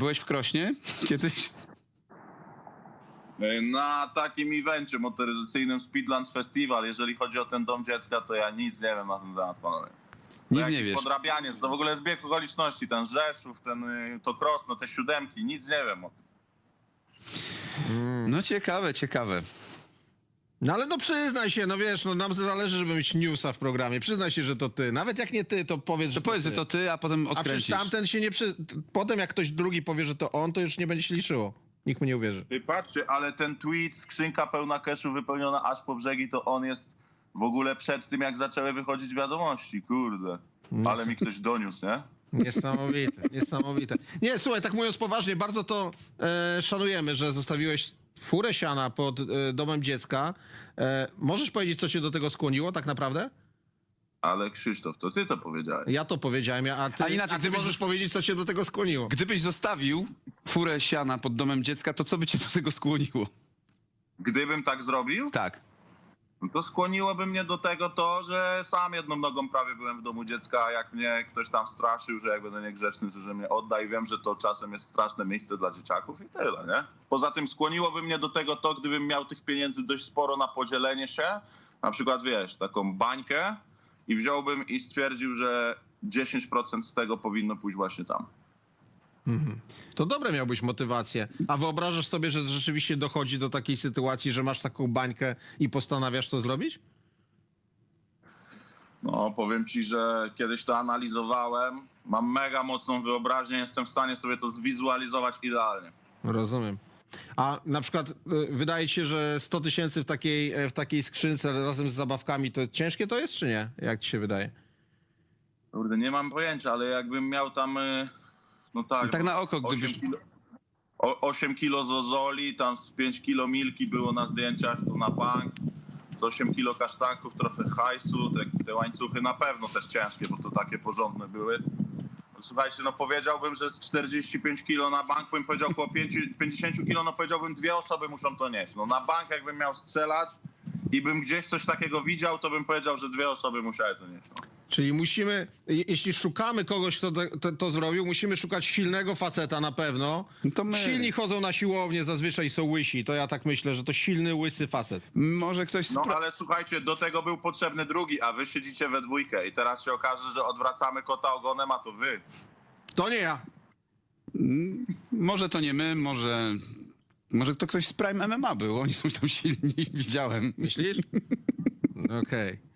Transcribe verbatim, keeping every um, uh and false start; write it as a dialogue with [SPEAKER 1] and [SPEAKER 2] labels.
[SPEAKER 1] byłeś w Krośnie kiedyś?
[SPEAKER 2] Na takim evencie motoryzacyjnym Speedland Festival, jeżeli chodzi o ten dom dziecka, to ja nic nie wiem na ten temat, panowie. To
[SPEAKER 1] Nic nie
[SPEAKER 2] jakiś
[SPEAKER 1] wiesz.
[SPEAKER 2] podrabianie, to w ogóle zbieg okoliczności, ten Rzeszów, ten, y, to Krosno, te siódemki, nic nie wiem o tym.
[SPEAKER 1] No ciekawe, ciekawe.
[SPEAKER 3] No ale no przyznaj się, no wiesz, no nam zależy, żeby mieć newsa w programie. Przyznaj się, że to ty. Nawet jak nie ty, to powiedz,
[SPEAKER 1] To
[SPEAKER 3] że
[SPEAKER 1] powiedz,
[SPEAKER 3] to
[SPEAKER 1] że
[SPEAKER 3] ty.
[SPEAKER 1] to ty, a potem
[SPEAKER 3] A przecież
[SPEAKER 1] odkręcisz.
[SPEAKER 3] tamten się nie przy... Potem jak ktoś drugi powie, że to on, to już nie będzie się liczyło. Nikt mu nie uwierzy.
[SPEAKER 2] Ty patrzcie, ale ten tweet, skrzynka pełna cashu wypełniona aż po brzegi, to on jest w ogóle przed tym, jak zaczęły wychodzić wiadomości, kurde. Ale mi ktoś doniósł, nie?
[SPEAKER 3] Niesamowite, niesamowite. Nie, słuchaj, tak mówiąc poważnie, bardzo to e, szanujemy, że zostawiłeś furę siana pod e, domem dziecka. E, możesz powiedzieć, co cię do tego skłoniło tak naprawdę?
[SPEAKER 2] Ale Krzysztof, to ty to powiedziałeś.
[SPEAKER 3] Ja to powiedziałem, a ty,
[SPEAKER 1] A inaczej,
[SPEAKER 3] a ty
[SPEAKER 1] gdybyś-
[SPEAKER 3] możesz powiedzieć, co cię do tego skłoniło.
[SPEAKER 1] Gdybyś zostawił furę siana pod domem dziecka, to co by cię do tego skłoniło?
[SPEAKER 2] Gdybym tak zrobił,
[SPEAKER 1] Tak.
[SPEAKER 2] no to skłoniłoby mnie do tego to, że sam jedną nogą prawie byłem w domu dziecka, a jak mnie ktoś tam straszył, że jak będę niegrzeczny, to że mnie odda i wiem, że to czasem jest straszne miejsce dla dzieciaków i tyle, nie? Poza tym skłoniłoby mnie do tego to, gdybym miał tych pieniędzy dość sporo na podzielenie się, na przykład wiesz, taką bańkę i wziąłbym i stwierdził, że dziesięć procent z tego powinno pójść właśnie tam.
[SPEAKER 3] To dobre miałbyś motywację. A wyobrażasz sobie, że rzeczywiście dochodzi do takiej sytuacji, że masz taką bańkę i postanawiasz to zrobić?
[SPEAKER 2] No, powiem ci, że kiedyś to analizowałem, mam mega mocną wyobraźnię, jestem w stanie sobie to zwizualizować idealnie.
[SPEAKER 3] Rozumiem. A na przykład y, wydaje ci się, że sto tysięcy w takiej, e, w takiej skrzynce razem z zabawkami, to ciężkie to jest, czy nie? Jak ci się wydaje?
[SPEAKER 2] Kurde, nie mam pojęcia, ale jakbym miał tam, y, no tak,
[SPEAKER 1] Tak na oko,
[SPEAKER 2] osiem
[SPEAKER 1] gdybyś...
[SPEAKER 2] kilo, o- osiem kilo zozoli, tam z pięć kilo milki było na zdjęciach, to na bank, z osiem kilo kasztanków, trochę hajsu, te, te łańcuchy na pewno też ciężkie, bo to takie porządne były. No, słuchajcie, no powiedziałbym, że z czterdzieści pięć kilo na bank, bym powiedział około pięćdziesiąt kilo, no powiedziałbym dwie osoby muszą to nieść. No na bank jakbym miał strzelać i bym gdzieś coś takiego widział, to bym powiedział, że dwie osoby musiały to nieść. No.
[SPEAKER 3] Czyli musimy, je- jeśli szukamy kogoś, kto to, to, to zrobił, musimy szukać silnego faceta na pewno.
[SPEAKER 1] No to my.
[SPEAKER 3] Silni chodzą na siłownię, zazwyczaj są łysi. To ja tak myślę, że to silny, łysy facet.
[SPEAKER 1] Może ktoś...
[SPEAKER 2] No
[SPEAKER 1] Spra-
[SPEAKER 2] ale słuchajcie, do tego był potrzebny drugi, a wy siedzicie we dwójkę i teraz się okaże, że odwracamy kota ogonem, a to wy.
[SPEAKER 3] To nie ja.
[SPEAKER 1] Może to nie my, może... Może to ktoś z Prime M M A był, oni są tam silni, widziałem.
[SPEAKER 3] Myślisz? Okej.